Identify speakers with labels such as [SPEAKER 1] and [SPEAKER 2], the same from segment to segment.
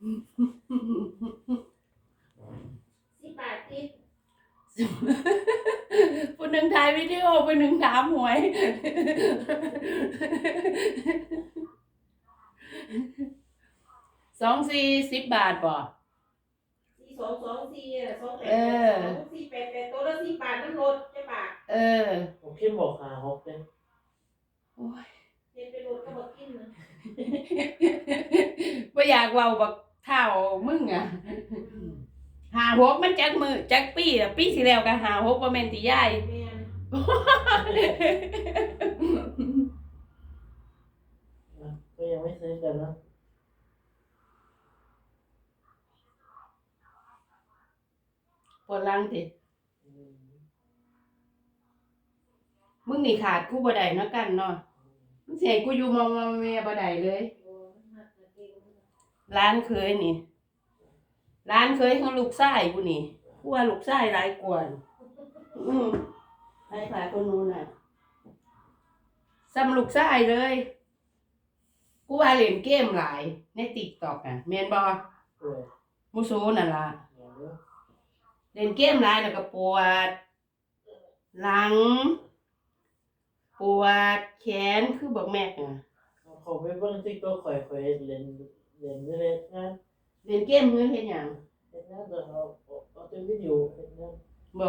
[SPEAKER 1] 18ติด
[SPEAKER 2] ผู้หนึ่งถ่ายวิดีโอผู้หนึ่งถามหวย240 บาทบ่
[SPEAKER 1] 4224อ่ะ488ตัวละ10 บาทน้ำรถจะบาท
[SPEAKER 3] ผมคิดบอกหาหกเลย
[SPEAKER 2] โอ้ย
[SPEAKER 1] เฮ็ดไปรถก็บ่กินนะ
[SPEAKER 2] บ่อยากเว้าบักเท่ามึงอ่ะ56มันจักมื้อจักปีอ่ะปีที่แล้วก็56บ่แม่นติยาย
[SPEAKER 1] แม่น
[SPEAKER 3] ก็ยังไม่ซื้อกันนะ
[SPEAKER 2] ปวดหลังติมึงนี่ขาดกูบ่ได้เนาะกันเนาะมึงสิให้กูอยู่มอแม่บ่ได้เลยร้านเคยนี่ร้านเคยของลูกชายกูนี่กูว่าลูกชายหลายกว่าให้ขาคนนู้นน่ะซ้ำลูกชายเลยกูว่าเล่นเกมหลายใน TikTok อ่ะแม่นบ่มูโซนั่นล่ะเล่นเกมหลายแล้วก็ปวดหลังปวดแขนคือบอกแม่อ่ะ
[SPEAKER 3] เขาไปเบิ่งติ๊กต็อกข่อยเล่นเล่นงาน
[SPEAKER 2] เล่นเกมเฮือนเฮ็ดหยัง
[SPEAKER 3] เล่นงานแต่เอาแต่วิดีโอเล่นงาน
[SPEAKER 2] บ่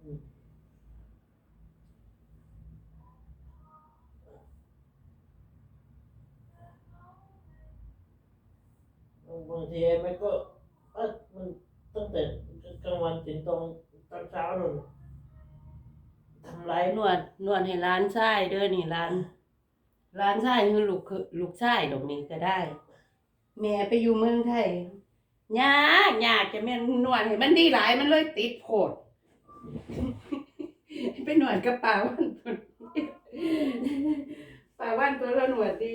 [SPEAKER 3] บางทีมันก็มันตั้งแต่กลางวันถึงตอนเช้าเลยทำไร
[SPEAKER 2] นวดให้ร้านชายเด้อนี่ร้านชายคือลูกชายดอกนี้ก็ได้ แม่ไปอยู่เมืองไทยยากจะแม่นนวดให้มันดีหลายมันเลยติดโพด ไปนวดกับป่าวันป่าวันตัวละหนวดดี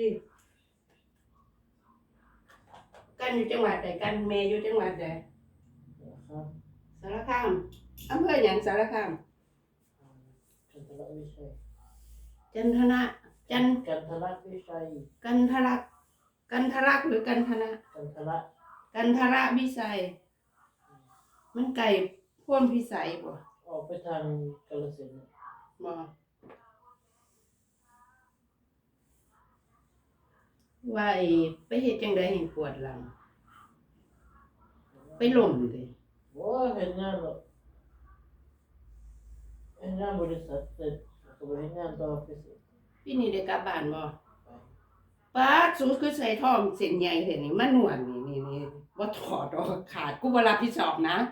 [SPEAKER 2] กันอยู่จังหวัดใดกันแม่อยู่จังหวัดใด
[SPEAKER 3] ครับ
[SPEAKER 2] สารคามอำเภอหยังสารคาม
[SPEAKER 3] กันทละวิชัย
[SPEAKER 2] จันทนะ
[SPEAKER 3] กันทละวิชัย
[SPEAKER 2] กันทรักหรือกันทนะ
[SPEAKER 3] กันทละ
[SPEAKER 2] กันทระวิสัยมันไก่พ่นพิสัยบ่
[SPEAKER 3] ออกไปทางกาฬสินธุ์
[SPEAKER 2] บ่ว่าไปเฮ็ดจังได๋ให้ปวดหลังไปล้มติ
[SPEAKER 3] โอ้เห็นงานหรอกเห็นงานบริษัทเสร็จก็ไปเห็นงานต่อไปเสร็จ
[SPEAKER 2] พี่นี่ได้กลับบ้านบ่
[SPEAKER 3] ไป
[SPEAKER 2] ป๊าดสูงคือใส่ทองเส้นใหญ่เห็นนี่มันนวลนี่บ่ถอดออกขาดกูบ่รับผิดชอบนะ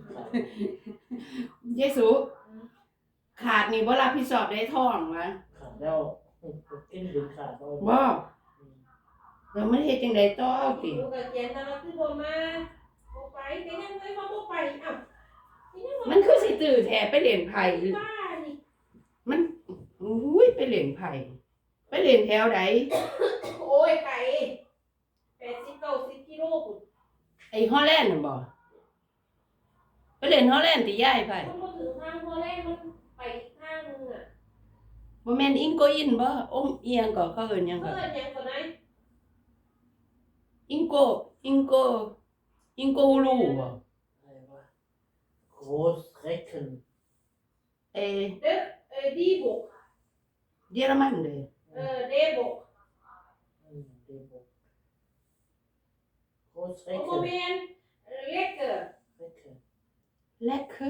[SPEAKER 2] เยซูขาดนี่บ่รับผิดชอบได้ทองวะ
[SPEAKER 3] ขาดแล้วกินดึงขาดเอา
[SPEAKER 2] บ่แล้วมันเฮ็ดจังได๋ต่อติ
[SPEAKER 1] อยู่กับเขียนแต่ว่าคือบ่มาบ่ไปแต่ยังเลยว่าบ่ไปอ้าวยัง
[SPEAKER 2] มันคือสิตื้อแท้ไปเล่นไผ
[SPEAKER 1] บ้านี่
[SPEAKER 2] มันอุ้ยไปเล่นไผไปเล่นแถวใด
[SPEAKER 1] โอ้ยไก่80-90กิโลพุ่น
[SPEAKER 2] ไอ้ฮอลแลนด์น่ะบ่ไปเล่นฮอลแลนด์ติยายไผ
[SPEAKER 1] มันบ่ถึงทางพอแรกมันไปอีกทางนึงอ่ะ
[SPEAKER 2] บ่แม่นอิงโกอินบ่อมเอียงก็เขาเอิ้นหยังก็
[SPEAKER 1] เพิ่นหยังก่อนนะ
[SPEAKER 2] อิงโกฮูลูบ่
[SPEAKER 3] อะไรวะโคสเรคเคน
[SPEAKER 2] เอ้
[SPEAKER 1] ดีบุก
[SPEAKER 2] เยอรมันเด้
[SPEAKER 1] เดบุก
[SPEAKER 3] เดบกโคสเรค
[SPEAKER 1] โม
[SPEAKER 3] เคน
[SPEAKER 1] เมนเล็กเกอร์
[SPEAKER 3] เรคเคน
[SPEAKER 2] Lekker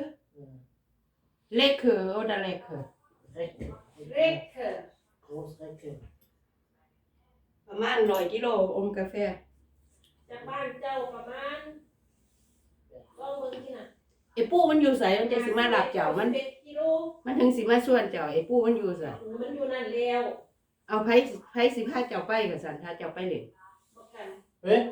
[SPEAKER 2] oder lecker
[SPEAKER 3] เรคเคน
[SPEAKER 1] เล็กเกอร์
[SPEAKER 3] โคสเรคเคน
[SPEAKER 2] ประมาณ100กิโลอมกาแฟ
[SPEAKER 1] จากบ้านเจ้าประมาณลองเบิ่งที่น่ะ
[SPEAKER 2] ไอ้ปู่มันอยู่ไสมันจะสิมารับเจ้ามัน
[SPEAKER 1] 11กิโล
[SPEAKER 2] มันถึงสิมาชวนเจ้าไอ้ปู่มันอยู่ไส
[SPEAKER 1] มันอยู่นั่นแล้ว
[SPEAKER 2] เอาไผสิพาเจ้าไปก็ซั่นถ้าเจ้าไปเล่น
[SPEAKER 1] บ่กัน
[SPEAKER 3] เฮ้ย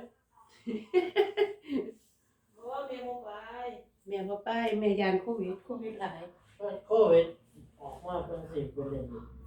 [SPEAKER 1] เพราะว่าแม่บ่ไป
[SPEAKER 2] แม่บ่ไปแม่ยานโควิดหลาย
[SPEAKER 3] โควิดออกมาเป็น10 เป็นเลย